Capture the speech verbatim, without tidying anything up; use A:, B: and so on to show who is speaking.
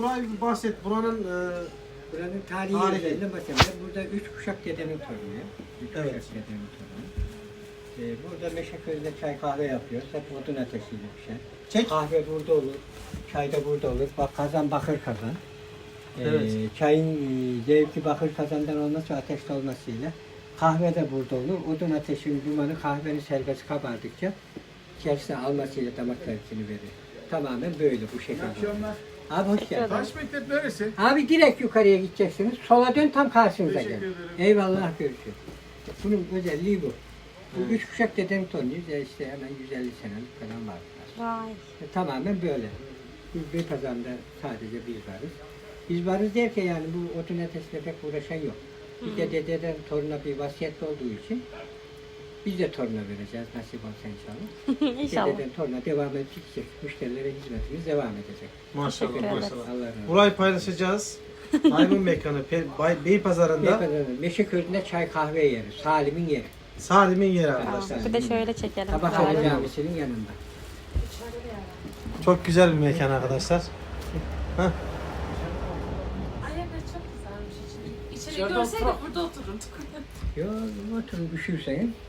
A: Burayı bir bahset. Buranın e,
B: Buranın tarihi,
A: Tarihi.
B: yerlerinden bahsedelim. Burada üç kuşak dedenin torunu. Üç
A: Evet.
B: kuşak dedenin torunu. Ee, burada Meşeköy'de çay kahve yapıyoruz. Hep odun ateşiyle pişer.
A: Çek.
B: Kahve burada olur. Çay da burada olur. Bak kazan bakır kazan. Ee,
A: Evet.
B: Çayın e, zevki bakır kazandan olması ateşte olmasıyla. Kahve de burada olur. Odun ateşinin dumanı kahvenin serbest kabardıkça içerisine almasıyla damak zevkini verir. Tamamen böyle bu şekilde. Abi hoş geldin.
C: Taş mektep neresi?
B: Abi direkt yukarıya gideceksiniz. Sola dön tam karşınıza
C: Teşekkür
B: gel.
C: ederim.
B: Eyvallah görüşürüz. Bunun özelliği bu. Bu
A: Evet.
B: üç kuşak dedem torunuyuz. Ya işte hemen yüz elli senelik falan var.
D: Vay.
B: E, tamamen böyle. Biz bir pazarında sadece biz varız. Biz varız derken yani bu otun ateşle pek uğraşan yok. Bir de dededen toruna bir vasiyet olduğu için biz de toruna vereceğiz nasip olsa inşallah.
D: İnşallah.
B: Dededen toruna devam edecek. Müşterilere hizmetimiz devam edecek.
A: maşallah
D: Teşekkür ederiz.
A: maşallah.
B: Allah razı olsun.
A: Burayı paylaşacağız. Maymun mekanı Pe- Bay- Beypazarı'nda
B: Beypazarı'nda Meşeköy'ünde çay kahve yeri. Salim'in yeri.
A: Salim'in yeri
D: Tamam.
A: arkadaşlar.
D: Bir de şöyle çekelim.
B: Tabakhane
D: Zalim.
B: Camisi'nin yanında.
A: Çok güzel bir mekan arkadaşlar. Heh.
E: Ayakları çok güzelmiş içeri. İçeri görseydik burada otururduk.
B: Yo oturun üşürseniz